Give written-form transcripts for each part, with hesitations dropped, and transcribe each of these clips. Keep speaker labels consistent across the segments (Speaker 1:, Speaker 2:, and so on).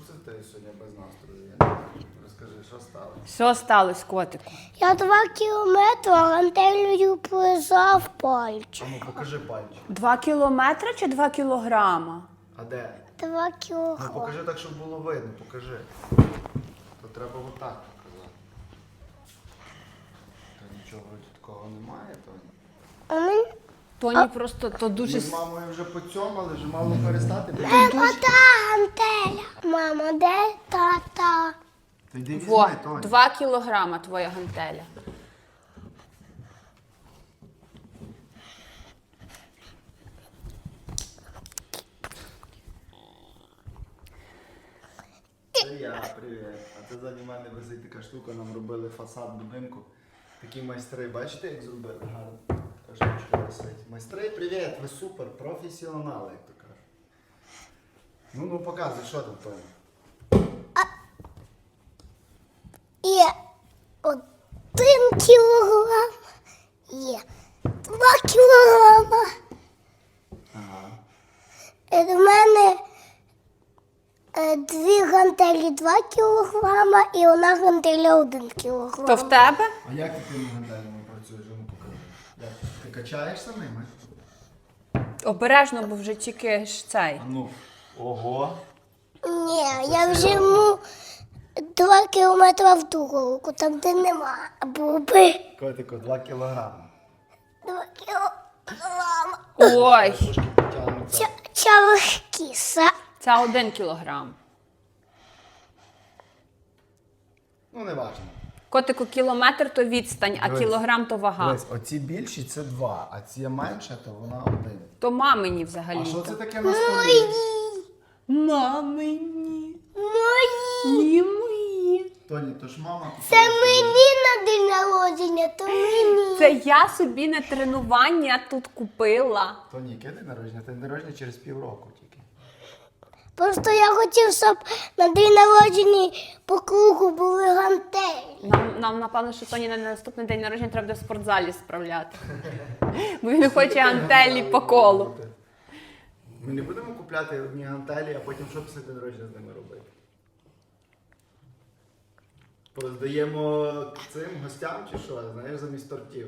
Speaker 1: це ти сьогодні без настрою? Я не знаю. Розкажи, що сталося?
Speaker 2: Що сталося, котику?
Speaker 3: Я 2 кілометри гантелею плизав пальчик.
Speaker 1: А ну, покажи пальчик.
Speaker 2: 2 кілометри чи 2 кілограма?
Speaker 1: А де?
Speaker 3: 2
Speaker 1: Ну,
Speaker 3: кілограми.
Speaker 1: покажи так, щоб було видно, покажи. То треба отак показати. Та нічого вроді такого немає, Тоні.
Speaker 3: А мені...
Speaker 2: Тоні просто то
Speaker 1: Ми
Speaker 2: дуже...
Speaker 1: з мамою вже поцьомали, вже мало перестати.
Speaker 3: Мама, та гантеля. Мама, де тата?
Speaker 1: Та йди
Speaker 2: Во,
Speaker 1: візьми, Тоні.
Speaker 2: 2 кілограма твоя гантеля.
Speaker 1: Це я, привіт. А це ззаді мене висить така штука, нам робили фасад будинку. Такі майстри, бачите, як зробили? Гарно. Та штучка висить. Майстри, привіт, ви супер, професіонали, як то кажуть. Ну, показуй, що там, Тоні.
Speaker 3: Є 1 кілограм. Є 2 кілограма.
Speaker 1: Ага.
Speaker 3: В мене 2 гантелі 2 кілограма і одна гантеля 1 кілограм.
Speaker 2: То в тебе?
Speaker 1: А як ти тими гантелями працюєш? Ну, покажи. Як? Ти качаєшся ними?
Speaker 2: Обережно, бо вже тільки ж цей.
Speaker 1: А ну. Ого.
Speaker 3: Ні, я вже йому 2 кілометри в другу руку, там де нема буби.
Speaker 1: Котику, 2 кілограми.
Speaker 3: 2 кілограма.
Speaker 2: Ой,
Speaker 1: Трошки потягнуться.
Speaker 3: Чавкіса.
Speaker 2: це 1 кілограм.
Speaker 1: Ну, не важливо.
Speaker 2: Котику, кілометр то відстань, а
Speaker 1: Дивись.
Speaker 2: кілограм то вага.
Speaker 1: Дивись, оці більші це 2, а ці менше, то вона 1.
Speaker 2: То мамині
Speaker 1: А
Speaker 2: взагалі.
Speaker 1: що це таке на столі?
Speaker 2: Мамині.
Speaker 3: Мої.
Speaker 2: Ні, мої.
Speaker 1: Тоні, то ж мама купила.
Speaker 3: Це мені на день народження, то мені.
Speaker 2: Це я собі на тренування тут купила.
Speaker 1: Тоні, яке день народження? День народження через півроку тільки.
Speaker 3: Просто я хотів, щоб на день народження по кругу були гантелі.
Speaker 2: Нам напевно, що Тоні на наступний день народження треба буде в спортзалі справляти. Бо він хоче гантелі по колу.
Speaker 1: Ми не будемо купляти одні гантелі, а потім що після день народження з ними робити? Поздаємо цим гостям чи що? Знаєш, замість тортів.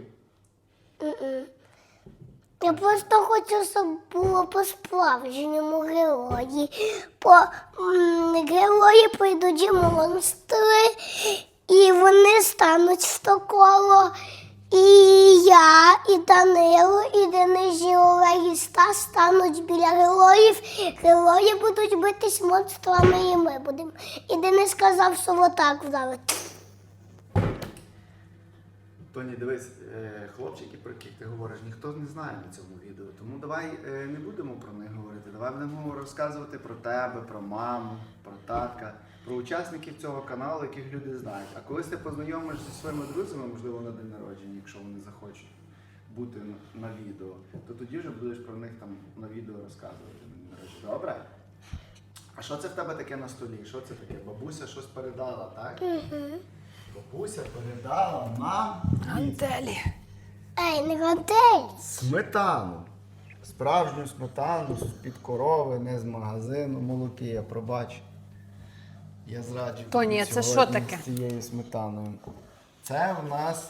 Speaker 3: Я просто хочу, щоб було по-справжньому герої. Герої прийдуть і монстри, і вони стануть в то коло. І я, і Данило, і Денис, і Олег, і Стас стануть біля героїв. Герої будуть битись монстрами, і ми будемо. І Денис сказав, що отак вдарить.
Speaker 1: Тоні, дивись, хлопчики, про яких ти говориш, ніхто не знає на цьому відео. Тому давай не будемо про них говорити. Давай будемо розказувати про тебе, про маму, про татка, про учасників цього каналу, яких люди знають. А колись ти познайомишся зі своїми друзями, можливо, на день народження, якщо вони захочуть бути на відео, то тоді вже будеш про них там на відео розказувати на день народження. Добре? А що це в тебе таке на столі? Що це таке? Бабуся щось передала, так? Бабуся передала нам
Speaker 2: Гантелі.
Speaker 3: Ей, не гантелі.
Speaker 1: сметану. Справжню сметану з-під корови, не з магазину, молоки, пробач. Я зраджу
Speaker 2: Тоні,
Speaker 1: тобі
Speaker 2: це що
Speaker 1: сьогодні
Speaker 2: таке?
Speaker 1: з цією сметаною. Це в нас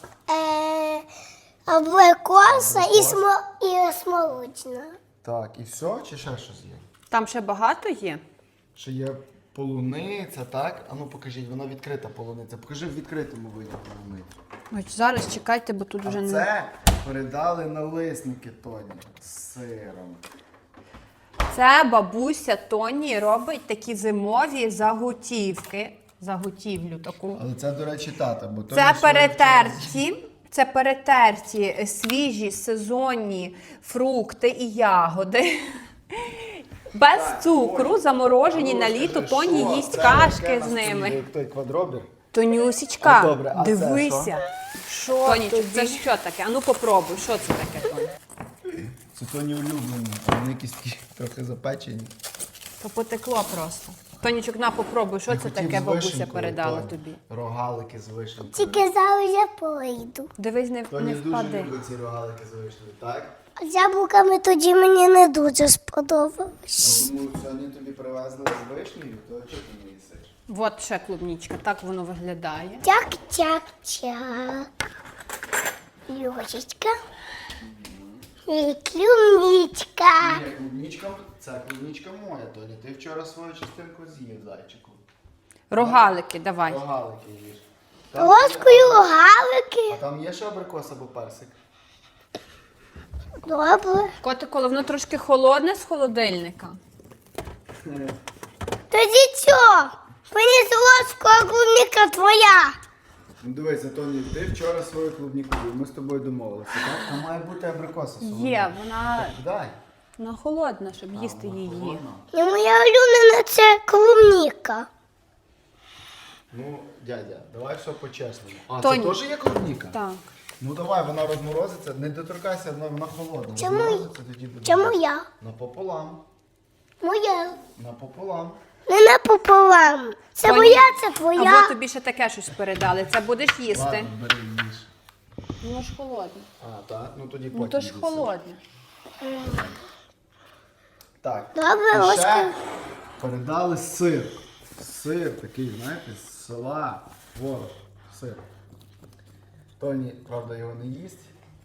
Speaker 3: Абрикоса і смолочна.
Speaker 1: так, і все, чи ще щось є?
Speaker 2: Там ще багато є?
Speaker 1: Ще є полуниця, так? А ну покажіть, вона відкрита полуниця. Покажи в відкритому виді полуницю.
Speaker 2: Ось зараз чекайте, бо тут вже
Speaker 1: А
Speaker 2: не...
Speaker 1: це передали налисники Тоні з сиром.
Speaker 2: Це бабуся Тоні робить такі зимові заготівки. Заготівлю таку.
Speaker 1: Але це, до речі, тата, бо Тоні
Speaker 2: Це
Speaker 1: своє
Speaker 2: перетерті. Це перетерті свіжі сезонні фрукти і ягоди. Без цукру, заморожені на літо, Тоні їсть кашки з ними.
Speaker 1: Як той квадробір.
Speaker 2: Тонюсічка,
Speaker 1: А, добре, а це
Speaker 2: дивися. Тонічок, це що таке? А ну попробуй, що це таке, Тоні?
Speaker 1: Це Тоні улюблені, а вони якісь такі трохи запечені.
Speaker 2: То потекло просто. Тонічок, на попробуй, що
Speaker 1: Я
Speaker 2: це
Speaker 1: хотів
Speaker 2: таке
Speaker 1: з
Speaker 2: бабуся
Speaker 1: вишенькою,
Speaker 2: передала
Speaker 1: Тоні.
Speaker 2: тобі.
Speaker 1: Рогалики з вишенькою.
Speaker 3: Тільки зараз я прийду.
Speaker 2: Дивись, не
Speaker 1: Тоні дуже
Speaker 2: впади.
Speaker 1: любить ці рогалики з вишнею, так?
Speaker 3: А з яблуками тоді мені не дуже сподобалось.
Speaker 1: Тому сьогодні тобі привезли з вишнею, то чого ти не їсиш?
Speaker 2: От ще клубничка, так воно виглядає.
Speaker 3: Тяк-тяк-тяк. Ложечка. І клубничка.
Speaker 1: Ні, це клубничка моя, Тоня. Ти вчора свою частинку з'їв, зайчику.
Speaker 2: Рогалики, давай.
Speaker 1: Рогалики їж.
Speaker 3: Ложкою рогалики.
Speaker 1: А там є ще абрикос або персик?
Speaker 3: Добре.
Speaker 2: Котику, воно трошки холодне з холодильника.
Speaker 3: Тоді що? Мені з ложкою, а клубника твоя.
Speaker 1: Ну дивися, Тоні, ти вчора свою клубніку їв, ми з тобою домовилися, так? Там має бути абрикоса солодка.
Speaker 2: Є, вона
Speaker 1: Дай.
Speaker 2: холодна, щоб їсти
Speaker 1: Вона
Speaker 2: її.
Speaker 1: холодна.
Speaker 3: І моя улюблена це клубніка.
Speaker 1: Ну, дядя, давай все по-чесному. А,
Speaker 2: Тоні.
Speaker 1: це теж є клубніка?
Speaker 2: Так.
Speaker 1: Ну давай, вона розморозиться, не доторкайся, вона холодна.
Speaker 3: Чому?
Speaker 1: Розморозиться, тоді буде.
Speaker 3: Це моя.
Speaker 1: Напополам.
Speaker 3: Моя.
Speaker 1: Напополам.
Speaker 3: Не напополам. Це
Speaker 2: Тоні,
Speaker 3: моя, це твоя.
Speaker 2: Або тобі ще таке щось передали. Це будеш їсти.
Speaker 1: Ладно, бери, їж.
Speaker 2: Воно ж холодне.
Speaker 1: А, так? Ну тоді потім.
Speaker 2: Ну то ж
Speaker 1: їси.
Speaker 2: холодне.
Speaker 1: Так.
Speaker 3: Добре,
Speaker 1: І ще
Speaker 3: ложка.
Speaker 1: передали сир. Сир такий, знаєте, з села. Ворог. Сир. Тоні, правда, його не їсть.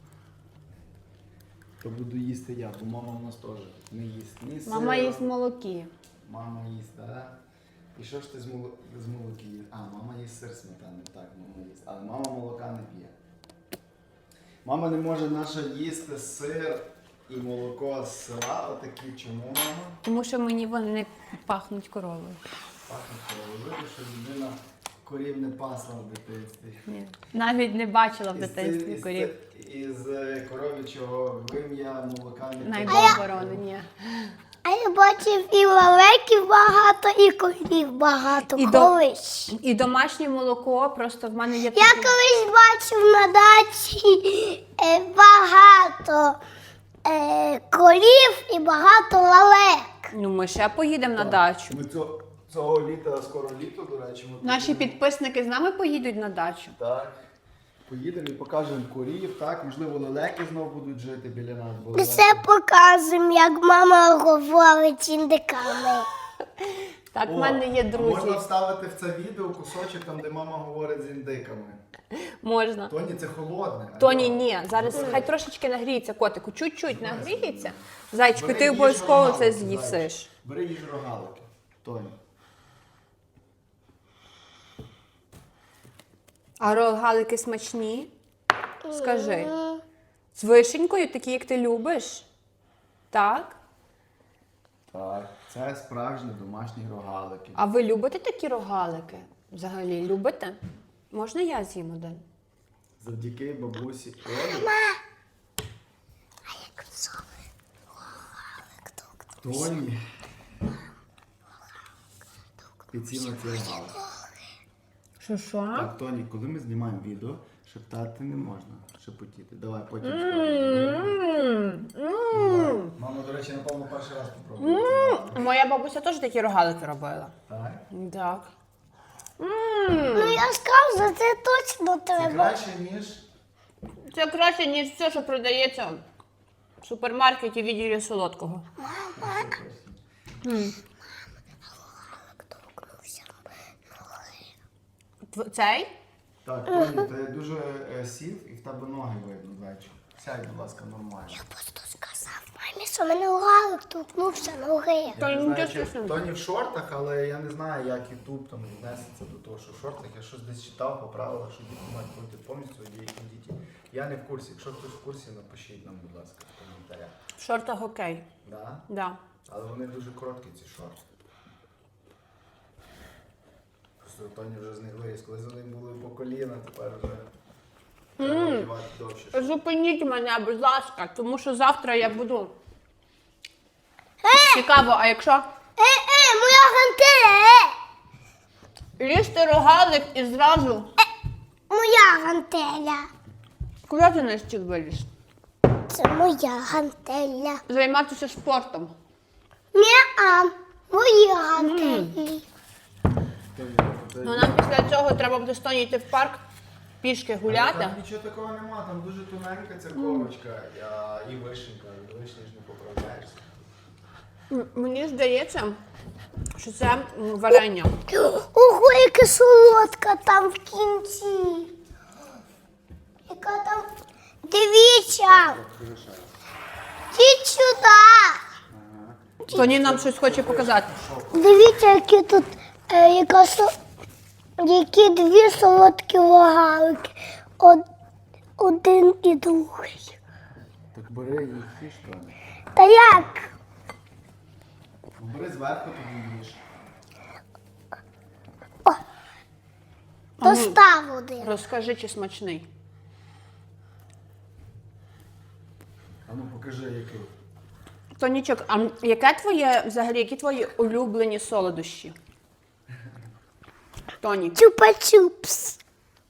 Speaker 1: То буду їсти я, бо мама в нас теж не їсть. Ні сира.
Speaker 2: Мама їсть молоки.
Speaker 1: Мама їсть, так? І що ж ти з молоки їсть? А, мама їсть сир сметани, так, мама їсть. Але мама молока не п'є. Мама не може наша їсти сир і молоко з села. Отакі. Чому, мама?
Speaker 2: Тому що мені вони не пахнуть коровою.
Speaker 1: Пахне коровою, що людина корів не пасла в дитинстві.
Speaker 2: Ні. Навіть не бачила в дитинстві
Speaker 1: Із
Speaker 2: корів.
Speaker 1: Із коров'ячого вим'я молока не
Speaker 2: Най
Speaker 1: пила.
Speaker 2: Бог борони, ні.
Speaker 3: А я бачив і лелеків багато, і корів багато.
Speaker 2: І
Speaker 3: колись.
Speaker 2: І домашнє молоко, просто в мене є
Speaker 3: Я
Speaker 2: такі-
Speaker 3: колись бачив на дачі багато корів і багато лелек.
Speaker 2: Ну, ми ще поїдемо на дачу.
Speaker 1: Ми цього літа, скоро літо, до речі, ми
Speaker 2: Наші
Speaker 1: поїдемо.
Speaker 2: підписники з нами поїдуть на дачу.
Speaker 1: Так. Поїдемо і покажемо корів, так? Можливо, лелеки знову будуть жити біля нас. Бо
Speaker 3: Ми все показуємо, як мама говорить індиками.
Speaker 2: Так, в мене є друзі.
Speaker 1: Можна вставити в це відео кусочок, там, де мама говорить з індиками.
Speaker 2: Можна.
Speaker 1: Тоні, це холодне.
Speaker 2: Тоні,
Speaker 1: Алло.
Speaker 2: ні. Зараз хай трошечки нагріється котику. Чуть-чуть нагріється. Зайчику,
Speaker 1: Бери,
Speaker 2: ти
Speaker 1: їж
Speaker 2: обов'язково це
Speaker 1: рогалики,
Speaker 2: з'їсиш.
Speaker 1: зайчик. Бери їж рогалики. Тоні.
Speaker 2: А рогалики смачні? Скажи. З вишенькою, такі, як ти любиш? Так?
Speaker 1: Так, це справжні домашні рогалики.
Speaker 2: А ви любите такі рогалики? Взагалі, любите? Можна я з'їм один?
Speaker 1: Завдяки бабусі Олі. Тоні. Підсів на цей рогалик.
Speaker 2: Що?
Speaker 1: Так, Тоні, коли ми знімаємо відео, шептати не можна. Шепотіти. Давай, потім скажемо. Мама, до речі, напевно, перший раз попробувала.
Speaker 2: Моя бабуся теж такі рогалики робила.
Speaker 1: Так?
Speaker 2: Так.
Speaker 3: Ну я скажу, це точно
Speaker 1: Це
Speaker 3: треба.
Speaker 1: краще, ніж...
Speaker 2: Це краще, ніж все, що продається в супермаркеті в відділі солодкого. Цей?
Speaker 1: Так, Тоні, ти дуже сів і в тебе ноги видно, зайчик. Сядь, будь ласка, нормально.
Speaker 3: Просто сказав мамі, що мене лалик торкнувся ноги.
Speaker 1: Я
Speaker 2: Тоні,
Speaker 1: не
Speaker 2: нічого
Speaker 1: знаю, чи
Speaker 2: страшного.
Speaker 1: Тоні в шортах, але я не знаю, як Ютуб там віднесеться до того, що в шортах. Я щось десь читав по правилах, що діти мають бути повністю одіяті діти. Я не в курсі. Якщо хтось в курсі, напишіть нам, будь ласка, в коментарях.
Speaker 2: В шортах окей.
Speaker 1: Да?
Speaker 2: Да.
Speaker 1: Але вони дуже короткі, ці шорти. Просто Тоні вже з них виріс. Коли вони були по коліна, тепер вже треба одягати довше.
Speaker 2: Зупиніть мене, будь ласка, тому що завтра я буду. Цікаво, а якщо
Speaker 3: Моя гантеля,
Speaker 2: їсти рогалик і зразу
Speaker 3: моя гантеля.
Speaker 2: куди ти на стіл виліз?
Speaker 3: Це моя гантеля.
Speaker 2: Займатися спортом.
Speaker 3: Ні-а, мої гантелі.
Speaker 1: Тоні,
Speaker 2: Ну нам після цього треба буде з Тоні йти в парк пішки
Speaker 1: Але
Speaker 2: гуляти.
Speaker 1: там нічого такого нема, там дуже тоненька ця корочка і вишенька. Від вишні ж не поправляєшся.
Speaker 2: Мені здається, що це варення.
Speaker 3: Ого, яка солодка там в кінці. Яка там. Дивіться! Йдіть сюди!
Speaker 2: Тоні нам щось хоче показати.
Speaker 3: Дивіться, які тут які дві солодкі рогалики. Один і другий.
Speaker 1: Так бери їх їж, Тоні.
Speaker 3: Та як?
Speaker 1: Бери зверху, тобі їж.
Speaker 3: Достав один.
Speaker 2: Розкажи, чи смачний.
Speaker 1: А ну покажи, який.
Speaker 2: Тонічок, а яке твоє, взагалі, які твої улюблені солодощі? Тоні,
Speaker 3: Чупа-чупс.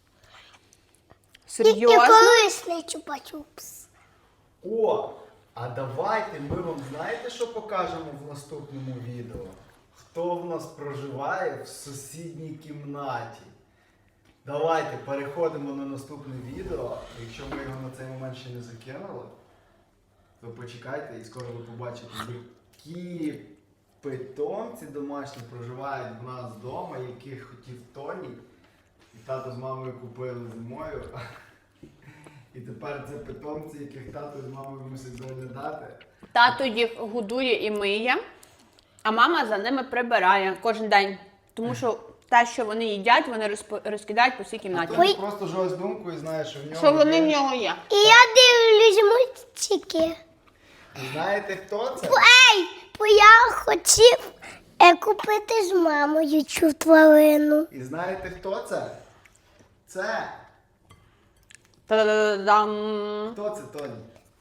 Speaker 3: І
Speaker 2: серйозно?
Speaker 3: корисний чупа-чупс.
Speaker 1: О! А давайте ми вам знаєте, що покажемо в наступному відео? Хто в нас проживає в сусідній кімнаті? Давайте переходимо на наступне відео. Якщо ми його на цей момент ще не закинули, то почекайте і скоро ви побачите, які питомці домашні проживають в нас вдома, яких хотів Тоні. І тато з мамою купили зимою. І тепер це питомці, яких тато з мамою мусить доглядати.
Speaker 2: Тато їх годує і миє, а мама за ними прибирає кожен день. Тому що те, що вони їдять, вони розкидають по всій кімнаті.
Speaker 1: Тоні просто живе з думкою і знає, що в нього
Speaker 2: Що вони в
Speaker 1: є.
Speaker 2: нього є.
Speaker 3: І я дивлюсь мультики.
Speaker 1: Знаєте, хто це?
Speaker 3: Бо я хотів купити з мамою цю тварину.
Speaker 1: І знаєте, хто це? Це.
Speaker 2: Та-да-да-дам.
Speaker 1: Хто це, Тоні?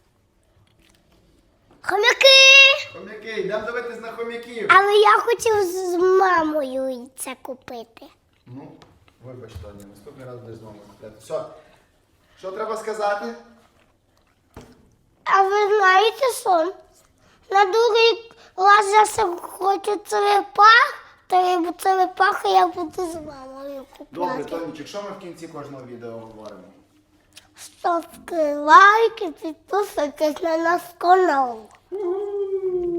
Speaker 3: Хомяки!
Speaker 1: Хомяки, йдемо дивитись на хомяків.
Speaker 3: Але я хотів з мамою це купити.
Speaker 1: Ну, вибач, Тоні, наступний раз будеш з мамою купляти. Все. Що треба сказати?
Speaker 3: А ви знаєте сон? На другий раз я все хочу черепах, то черепахи я буду з мамою
Speaker 1: Добре,
Speaker 3: купляти.
Speaker 1: Тонічок, що ми в кінці кожного відео говоримо?
Speaker 3: Ставте лайки, підписуйтесь на наш канал.